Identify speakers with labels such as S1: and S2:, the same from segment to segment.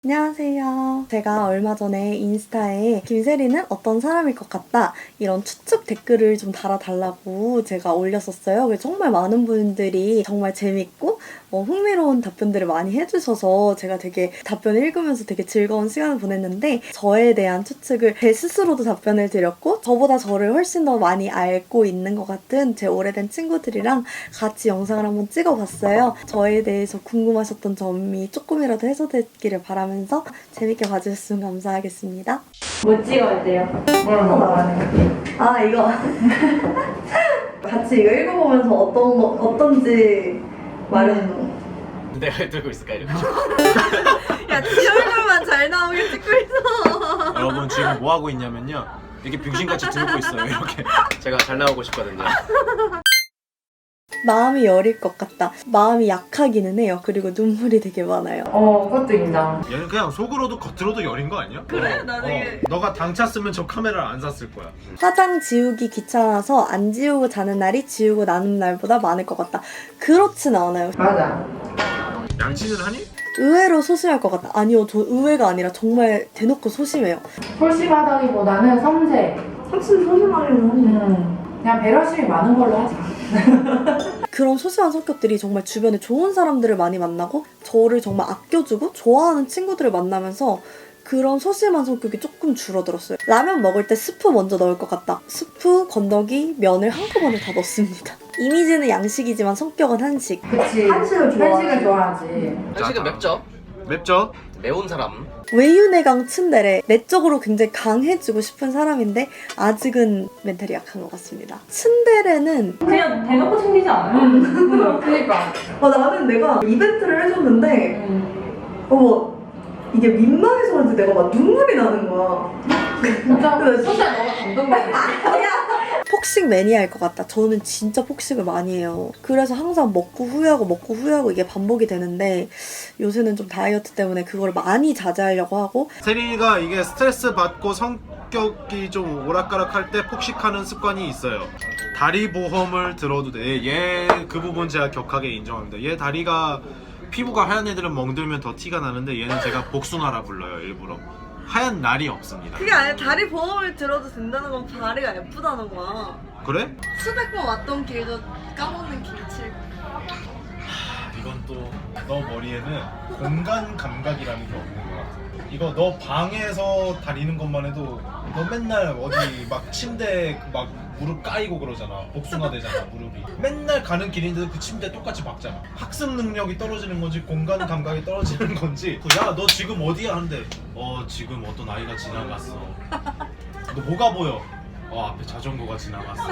S1: 안녕하세요. 제가 얼마 전에 인스타에 김세리는 어떤 사람일 것 같다 이런 추측 댓글을 좀 달아달라고 제가 올렸었어요. 그래서 정말 많은 분들이 정말 재밌고 흥미로운 답변들을 많이 해주셔서 제가 되게 답변을 읽으면서 되게 즐거운 시간을 보냈는데, 저에 대한 추측을 제 스스로도 답변을 드렸고 저보다 저를 훨씬 더 많이 알고 있는 것 같은 제 오래된 친구들이랑 같이 영상을 한번 찍어봤어요. 저에 대해서 궁금하셨던 점이 조금이라도 해소됐기를 바라면서 재밌게 봐주셨으면 감사하겠습니다.
S2: 뭐 찍어야 돼요? 뭐라고 말하는 거?
S1: 아, 이거 같이 이거 읽어보면서 어떤지 말해주는 거.
S3: 내가 들고 있을까 이렇게.
S1: 야, 지 얼굴만 잘 나오게 찍고 있어.
S3: 여러분 지금 뭐 하고 있냐면요. 이렇게 병신같이 들고 있어요. 이렇게. 제가 잘 나오고 싶거든요.
S1: 마음이 여릴 것 같다. 마음이 약하기는 해요. 그리고 눈물이 되게 많아요.
S2: 그것도 인정.
S4: 얘는 그냥 속으로도 겉으로도 여린 거 아니야?
S1: 그래? 나 되게...
S4: 너가 당 찼으면 저 카메라를 안 샀을 거야.
S1: 화장 지우기 귀찮아서 안 지우고 자는 날이 지우고 나는 날보다 많을 것 같다. 그렇진 않아요.
S2: 맞아.
S4: 양친을 하니?
S1: 의외로 소심할 것 같다. 아니요, 저 의외가 아니라 정말 대놓고 소심해요.
S2: 소심하다기보다는 섬세.
S1: 확실히 소심하려면
S2: 그냥 배려심이 많은 걸로 하자.
S1: 그런 소심한 성격들이 정말 주변에 좋은 사람들을 많이 만나고 저를 정말 아껴주고 좋아하는 친구들을 만나면서 그런 소심한 성격이 조금 줄어들었어요. 라면 먹을 때 스프 먼저 넣을 것 같다. 스프, 건더기, 면을 한꺼번에 다 넣습니다. 이미지는 양식이지만 성격은 한식.
S2: 그치. 한식을 좋아하지.
S3: 한식은 맵죠?
S4: 맵죠?
S3: 매운 사람.
S1: 외유내강 츤데레. 내적으로 굉장히 강해지고 싶은 사람인데 아직은 멘탈이 약한 것 같습니다. 츤데레는
S2: 그냥 대놓고 챙기지 않아요? 그니까.
S1: 나는 내가 이벤트를 해줬는데 이게 민망해서 그런지 내가 막 눈물이 나는 거야.
S2: 진짜 소시야 너가 감동받았어.
S1: 폭식 매니아일 것 같다. 저는 진짜 폭식을 많이 해요. 그래서 항상 먹고 후회하고 이게 반복이 되는데 요새는 좀 다이어트 때문에 그걸 많이 자제하려고 하고.
S4: 세린이가 이게 스트레스 받고 성격이 좀 오락가락할 때 폭식하는 습관이 있어요. 다리 보험을 들어도 돼. 얘 그 부분 제가 격하게 인정합니다. 얘 다리가 피부가 하얀 애들은 멍들면 더 티가 나는데 얘는 제가 복숭아라 불러요, 일부러. 하얀 날이 없습니다.
S1: 그게 아니라 다리 보험을 들어도 된다는 건 다리가 예쁘다는 거야.
S4: 그래?
S1: 수백 번 왔던 길도 까먹는 길칠.
S4: 이건 또 너 머리에는 공간 감각이라는 게 없는 것 같아. 이거 너 방에서 다니는 것만 해도 너 맨날 어디 막 침대 막 무릎 까이고 그러잖아. 복숭아 되잖아, 무릎이. 맨날 가는 길인데도 그 침대 똑같이 박잖아. 학습 능력이 떨어지는 건지 공간 감각이 떨어지는 건지. 야, 너 지금 어디야? 하는데 지금 어떤 아이가 지나갔어. 너 뭐가 보여? 앞에 자전거가 지나갔어.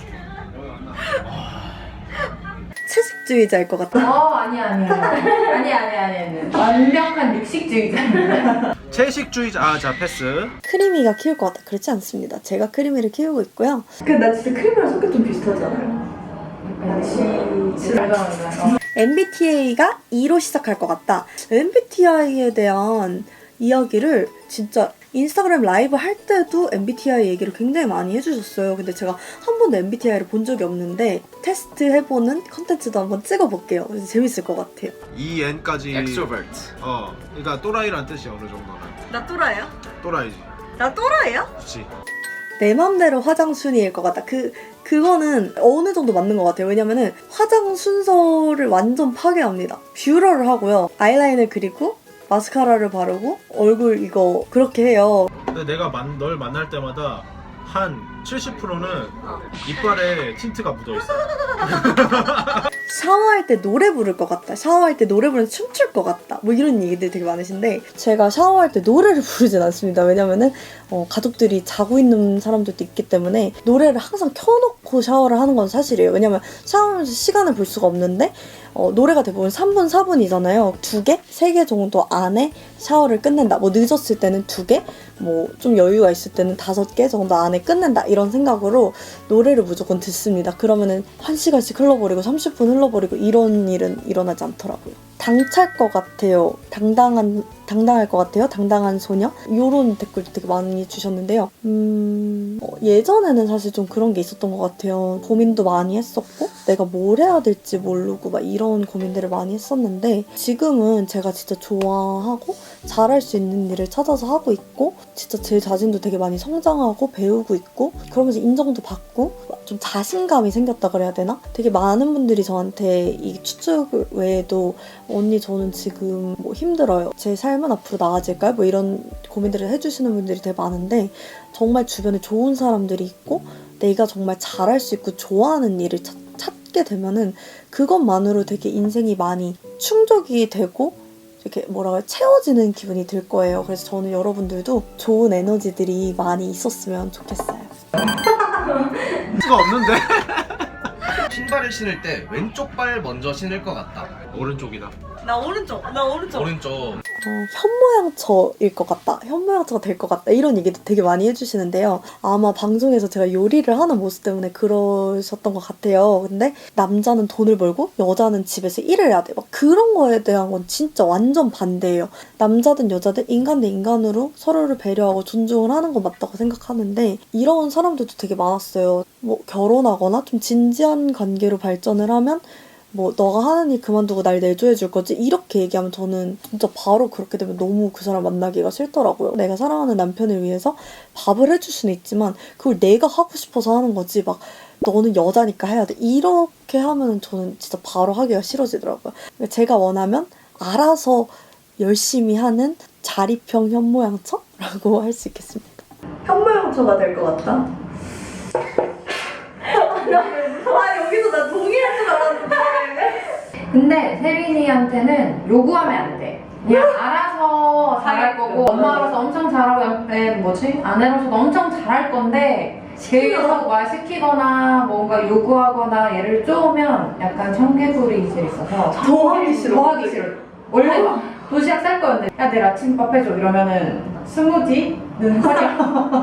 S1: 채식주의자일 것 같다.
S2: 아니야. 완벽한 육식주의자입니다.
S4: 채식주의자. 자, 패스.
S1: 크리미가 키울 것 같다. 그렇지 않습니다. 제가 크리미를 키우고 있고요.
S5: 근데 나 진짜 크림이랑 성격 좀 비슷하지 않아요?
S2: 맞아.
S1: MBTI가 E로 시작할 것 같다. MBTI에 대한 이야기를 진짜 인스타그램 라이브 할 때도 MBTI 얘기를 굉장히 많이 해주셨어요. 근데 제가 한 번도 MBTI를 본 적이 없는데 테스트 해보는 컨텐츠도 한번 찍어볼게요. 그래서 재밌을 것 같아요.
S4: EN까지.
S3: 엑스트로버트.
S4: 그러니까 또라이란 뜻이야, 어느 정도는.
S1: 나 또라이야?
S4: 또라이지.
S1: 나 또라이야?
S4: 그렇지.
S1: 내 맘대로 화장 순위일 것 같다. 그거는 어느 정도 맞는 것 같아요. 왜냐면은 화장 순서를 완전 파괴합니다. 뷰러를 하고요. 아이라인을 그리고 마스카라를 바르고 얼굴 이거 그렇게 해요.
S4: 근데 내가 널 만날 때마다 한 70%는 이빨에 틴트가 묻어있어.
S1: 샤워할 때 노래 부를 것 같다. 샤워할 때 노래 부르면서 춤출 것 같다. 뭐 이런 얘기들 되게 많으신데 제가 샤워할 때 노래를 부르진 않습니다. 왜냐면은 가족들이 자고 있는 사람들도 있기 때문에 노래를 항상 켜놓고 샤워를 하는 건 사실이에요. 왜냐면 샤워하면서 시간을 볼 수가 없는데 노래가 대부분 3분, 4분이잖아요. 2개? 3개 정도 안에 샤워를 끝낸다. 뭐 늦었을 때는 2개? 뭐 좀 여유가 있을 때는 5개 정도 안에 끝낸다. 이런 생각으로 노래를 무조건 듣습니다. 그러면은 1시간씩 흘러버리고 30분 흘러버리고 이런 일은 일어나지 않더라고요. 당찰 것 같아요. 당당한 당당할 것 같아요. 당당한 소녀. 이런 댓글도 되게 많이 주셨는데요. 예전에는 사실 좀 그런 게 있었던 것 같아요. 고민도 많이 했었고 내가 뭘 해야 될지 모르고 막 이런 고민들을 많이 했었는데 지금은 제가 진짜 좋아하고 잘할 수 있는 일을 찾아서 하고 있고 진짜 제 자신도 되게 많이 성장하고 배우고 있고 그러면서 인정도 받고 좀 자신감이 생겼다 그래야 되나? 되게 많은 분들이 저한테 이 추측 외에도 언니 저는 지금 뭐 힘들어요. 제 삶은 앞으로 나아질까요? 뭐 이런 고민들을 해주시는 분들이 되게 많은데 정말 주변에 좋은 사람들이 있고 내가 정말 잘할 수 있고 좋아하는 일을 찾게 되면은 그것만으로 되게 인생이 많이 충족이 되고 이렇게 뭐라고 채워지는 기분이 들 거예요. 그래서 저는 여러분들도 좋은 에너지들이 많이 있었으면 좋겠어요.
S3: 수가 없는데?
S6: 신발을 신을 때 왼쪽 발 먼저 신을 것 같다.
S3: 오른쪽이다.
S1: 나 오른쪽.
S6: 오른쪽.
S1: 현모양처일 것 같다. 현모양처가 될 것 같다. 이런 얘기도 되게 많이 해주시는데요. 아마 방송에서 제가 요리를 하는 모습 때문에 그러셨던 것 같아요. 근데 남자는 돈을 벌고 여자는 집에서 일을 해야 돼. 막 그런 거에 대한 건 진짜 완전 반대예요. 남자든 여자든 인간 대 인간으로 서로를 배려하고 존중을 하는 건 맞다고 생각하는데 이런 사람들도 되게 많았어요. 뭐 결혼하거나 좀 진지한 관계로 발전을 하면 뭐 너가 하는 일 그만두고 날 내조해 줄 거지? 이렇게 얘기하면 저는 진짜 바로 그렇게 되면 너무 그 사람 만나기가 싫더라고요. 내가 사랑하는 남편을 위해서 밥을 해줄 수는 있지만 그걸 내가 하고 싶어서 하는 거지 막 너는 여자니까 해야 돼. 이렇게 하면 저는 진짜 바로 하기가 싫어지더라고요. 그러니까 제가 원하면 알아서 열심히 하는 자립형 현모양처라고 할 수 있겠습니다.
S5: 현모양처가 될 것 같다. 여기서 나 동의할 줄 알았는데.
S2: 근데 세린이한테는 요구하면 안 돼. 그냥 알아서 잘할 거고 엄마로서 엄청 잘하고 아내로서도 엄청 잘할 건데 계속 말 시키거나 뭔가 요구하거나 얘를 쪼으면 약간 청개구리 이질 있어서
S5: 더 하기 싫어.
S2: 더 하기 싫어. 원래 막 도시락 쌀 거였는데 야 내일 아침밥 해줘 이러면은 스무디는 커녕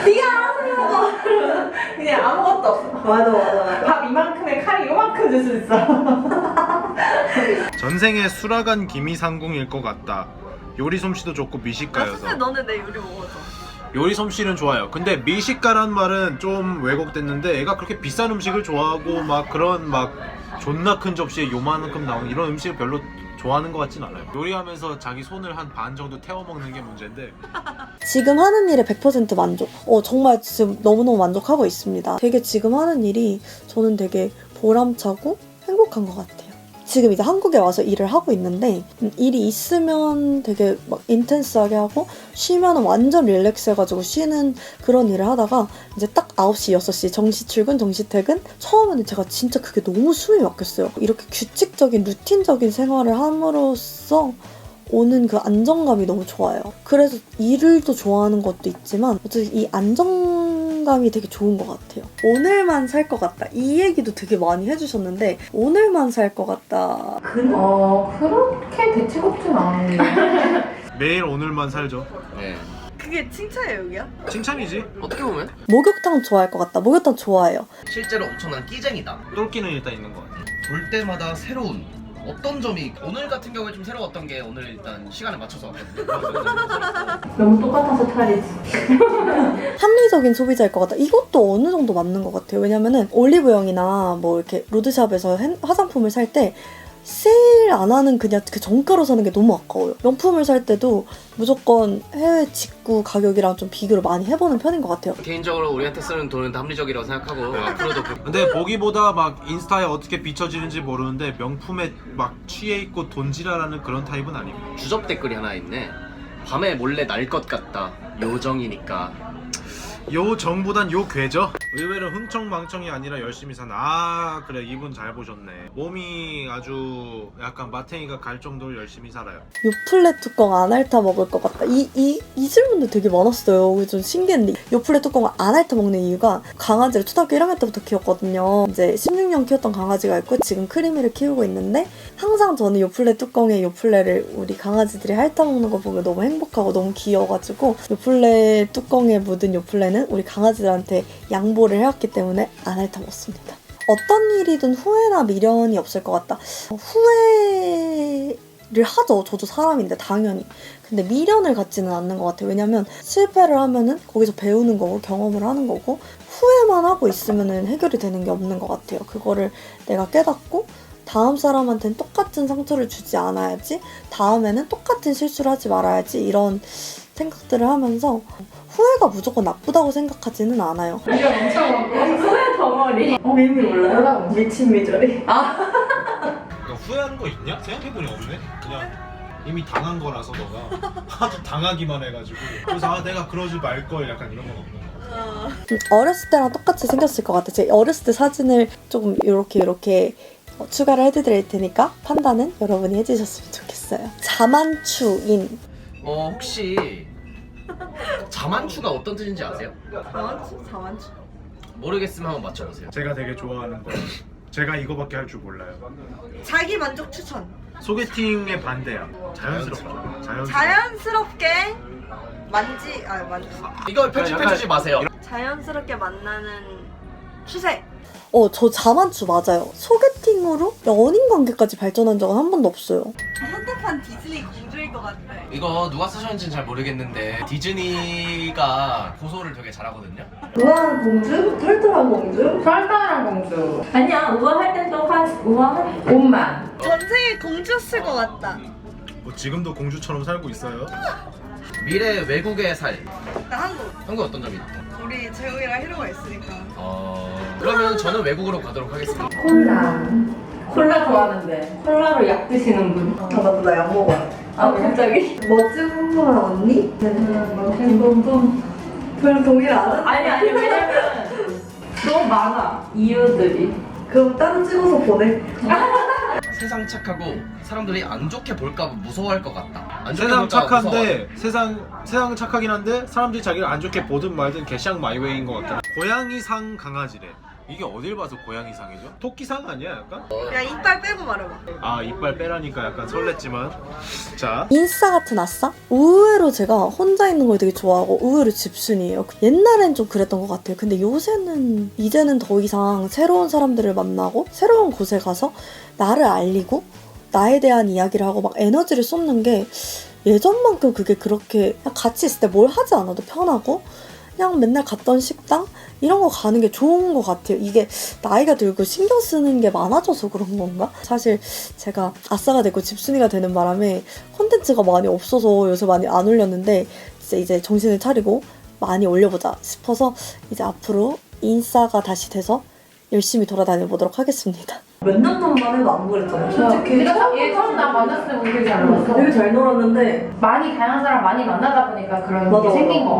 S2: 그냥 아무것도 없어.
S5: 맞아.
S2: 밥 이만큼에 칼이 요만큼 줄 수 있어.
S4: 전생에 수라간 기미상궁일 것 같다. 요리 솜씨도 좋고 미식가여서.
S1: 너네 내 요리 먹어줘.
S3: 요리 솜씨는 좋아요. 근데 미식가란 말은 좀 왜곡됐는데 애가 그렇게 비싼 음식을 좋아하고 막 그런 막 존나 큰 접시에 요만큼 나오는 이런 음식을 별로 좋아하는 것 같진 않아요. 요리하면서 자기 손을 한 반 정도 태워 먹는 게 문제인데
S1: 지금 하는 일에 100% 만족. 정말 지금 너무너무 만족하고 있습니다. 되게 지금 하는 일이 저는 되게 보람차고 행복한 것 같아요. 지금 이제 한국에 와서 일을 하고 있는데 일이 있으면 되게 막 인텐스하게 하고 쉬면 완전 릴렉스해가지고 쉬는 그런 일을 하다가 이제 딱 9시, 6시 정시 출근, 정시 퇴근 처음에는 제가 진짜 그게 너무 숨이 막혔어요. 이렇게 규칙적인 루틴적인 생활을 함으로써 오는 그 안정감이 너무 좋아요. 그래서 일을 또 좋아하는 것도 있지만 어쨌든 이 안정감이 되게 좋은 것 같아요. 오늘만 살 것 같다. 이 얘기도 되게 많이 해주셨는데 오늘만 살 것 같다.
S2: 그렇게 대책 없진 않은데.
S4: 매일 오늘만 살죠.
S6: 네.
S1: 그게 칭찬이에요, 여기야?
S4: 칭찬이지.
S6: 어떻게 보면
S1: 목욕탕 좋아할 것 같다. 목욕탕 좋아해요.
S6: 실제로 엄청난 끼쟁이다.
S3: 똘끼는 일단 있는 것 같아요.
S6: 볼 때마다 새로운 어떤 점이 오늘 같은 경우에 좀 새로웠던 게 오늘 일단 시간에 맞춰서 왔거든요.
S5: 너무 똑같아서 탈이지.
S1: 합리적인 소비자일 것 같다. 이것도 어느 정도 맞는 것 같아요. 왜냐면은 올리브영이나 뭐 이렇게 로드샵에서 화장품을 살 때 세일 안 하는 그냥 그 정가로 사는 게 너무 아까워요. 명품을 살 때도 무조건 해외 직구 가격이랑 좀 비교를 많이 해보는 편인 것 같아요.
S6: 개인적으로 우리한테 쓰는 돈은 다 합리적이라고 생각하고 앞으로도
S3: 근데 보기보다 막 인스타에 어떻게 비춰지는지 모르는데 명품에 막 취해 있고 돈지랄하는 그런 타입은 아니고.
S6: 주접 댓글이 하나 있네. 밤에 몰래 날 것 같다. 요정이니까.
S4: 요 정보단 요 괴죠. 의외로 흥청망청이 아니라 열심히 사는. 아 그래 이분 잘 보셨네. 몸이 아주 약간 마탱이가 갈 정도로 열심히 살아요.
S1: 요플레 뚜껑 안 핥아 먹을 것 같다. 이 질문도 되게 많았어요. 그게 좀 신기했는데 요플레 뚜껑을 안 핥아 먹는 이유가 강아지를 초등학교 1학년 때부터 키웠거든요. 이제 16년 키웠던 강아지가 있고 지금 크리미를 키우고 있는데 항상 저는 요플레 뚜껑에 요플레를 우리 강아지들이 핥아 먹는 거 보면 너무 행복하고 너무 귀여워가지고 요플레 뚜껑에 묻은 요플레는 우리 강아지들한테 양보를 해왔기 때문에 안 핥아 먹습니다. 어떤 일이든 후회나 미련이 없을 것 같다. 후회를 하죠. 저도 사람인데 당연히. 근데 미련을 갖지는 않는 것 같아요. 왜냐면 실패를 하면은 거기서 배우는 거고 경험을 하는 거고 후회만 하고 있으면은 해결이 되는 게 없는 것 같아요. 그거를 내가 깨닫고 다음 사람한테는 똑같은 상처를 주지 않아야지, 다음에는 똑같은 실수를 하지 말아야지, 이런 생각들을 하면서 후회가 무조건 나쁘다고 생각하지는 않아요.
S2: 이거 엄청 많고 소의 덩어리.
S5: 미미 몰라요?
S2: 뭐라고?
S5: 미친 미저리.
S4: 너 후회하는 거 있냐? 생각해보니 없네. 그냥 이미 당한 거라서 너가 하도 당하기만 해가지고 그래서 내가 그러지 말걸 약간 이런 건 없는 거 같아.
S1: 어렸을 때랑 똑같이 생겼을 것 같아요. 제 어렸을 때 사진을 조금 이렇게 추가를 해드릴 테니까 판단은 여러분이 해주셨으면 좋겠어요. 자만추인.
S6: 혹시 자만추가 어떤 뜻인지 아세요?
S5: 자만추.
S6: 모르겠으면 한번 맞춰보세요.
S4: 제가 되게 좋아하는 거. 제가 이거밖에 할 줄 몰라요.
S5: 자기 만족 추천.
S4: 소개팅의 반대야. 자연스럽죠.
S5: 자연스럽게
S6: 이거 편집해주지 마세요.
S5: 자연스럽게 만나는 추세.
S1: 저 자만추 맞아요. 소개팅으로 연인 관계까지 발전한 적은 한 번도 없어요.
S5: 현대판 디즈니 공주일 것 같아.
S6: 이거 누가 쓰셨는지는 잘 모르겠는데 디즈니가 고소를 되게 잘하거든요.
S5: 우아한 공주? 털털한 공주?
S2: 설탕이랑 공주. 아니야, 우아할 땐 또 우아한 옷만.
S5: 전생에 공주였을 것 같다.
S4: 뭐 지금도 공주처럼 살고 있어요?
S6: 미래 외국에 살.
S5: 나 한국.
S6: 한국 어떤 점이 있나요?
S5: 우리 재욱이랑 히로가 있으니까.
S6: 그러면 저는 외국으로 가도록 하겠습니다.
S2: 콜라 좋아하는데 콜라로 약 드시는 분.
S5: 아 맞다, 나 약 먹어.
S2: 아 갑자기?
S5: 멋진 궁금한 언니?
S2: 뭐
S5: 그럼 동일 안
S2: 아니 왜냐면 너무 많아 이유들이.
S5: 그럼 따로 찍어서 보내.
S6: 세상 착하고 사람들이 안 좋게 볼까 봐 무서워할 것 같다. 안 좋게
S3: 세상
S6: 볼까 봐
S3: 착한데 세상 착하긴 한데 사람들이 자기를 안 좋게 보든 말든 개샹 마이웨이인 것 같아. 고양이상 강아지래. 이게 어딜 봐서 고양이상이죠? 토끼상 아니야 약간?
S5: 야 이빨 빼고 말해봐.
S3: 아 이빨 빼라니까 약간 설렜지만 자
S1: 인싸 같은 아싸? 의외로 제가 혼자 있는 걸 되게 좋아하고 의외로 집순이에요. 옛날엔 좀 그랬던 것 같아요. 근데 이제는 더 이상 새로운 사람들을 만나고 새로운 곳에 가서 나를 알리고 나에 대한 이야기를 하고 막 에너지를 쏟는 게 예전만큼 그게 그렇게 그냥 같이 있을 때 뭘 하지 않아도 편하고 그냥 맨날 갔던 식당 이런 거 가는 게 좋은 것 같아요. 이게 나이가 들고 신경 쓰는 게 많아져서 그런 건가? 사실 제가 아싸가 되고 집순이가 되는 바람에 콘텐츠가 많이 없어서 요새 많이 안 올렸는데 진짜 이제 정신을 차리고 많이 올려보자 싶어서 이제 앞으로 인싸가 다시 돼서 열심히 돌아다녀 보도록 하겠습니다.
S5: 몇 년 전만 해도 안 그랬잖아. 솔직히
S2: 얘 처음 나 만났을 때 되게 잘 놀았어.
S5: 되게 잘 놀았는데
S2: 많이 다양한 사람 많이 만나다 보니까 그런
S5: 맞아,
S2: 게 생긴
S5: 맞아.
S2: 것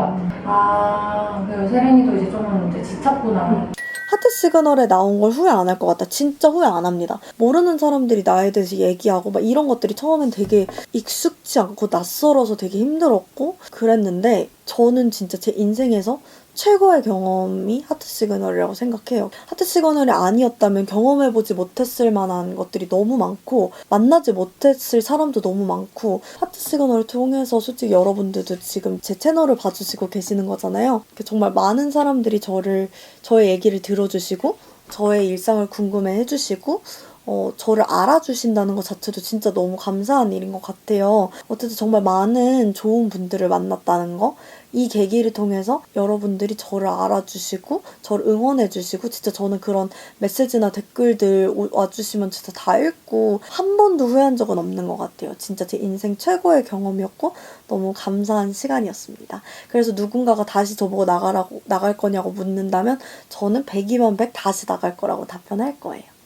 S2: 같아. 그리고 세린이도 이제 좀 이제 지쳤구나.
S1: 하트 시그널에 나온 걸 후회 안 할 것 같다. 진짜 후회 안 합니다. 모르는 사람들이 나에 대해서 얘기하고 막 이런 것들이 처음엔 되게 익숙지 않고 낯설어서 되게 힘들었고 그랬는데 저는 진짜 제 인생에서 최고의 경험이 하트 시그널이라고 생각해요. 하트 시그널이 아니었다면 경험해보지 못했을 만한 것들이 너무 많고 만나지 못했을 사람도 너무 많고 하트 시그널을 통해서 솔직히 여러분들도 지금 제 채널을 봐주시고 계시는 거잖아요. 정말 많은 사람들이 저의 얘기를 들어주시고 저의 일상을 궁금해 해주시고 저를 알아주신다는 것 자체도 진짜 너무 감사한 일인 것 같아요. 어쨌든 정말 많은 좋은 분들을 만났다는 거, 이 계기를 통해서 여러분들이 저를 알아주시고 저를 응원해주시고 진짜 저는 그런 메시지나 댓글들 와주시면 진짜 다 읽고 한 번도 후회한 적은 없는 것 같아요. 진짜 제 인생 최고의 경험이었고 너무 감사한 시간이었습니다. 그래서 누군가가 다시 저보고 나갈 거냐고 묻는다면 저는 100이면 100 다시 나갈 거라고 답변할 거예요.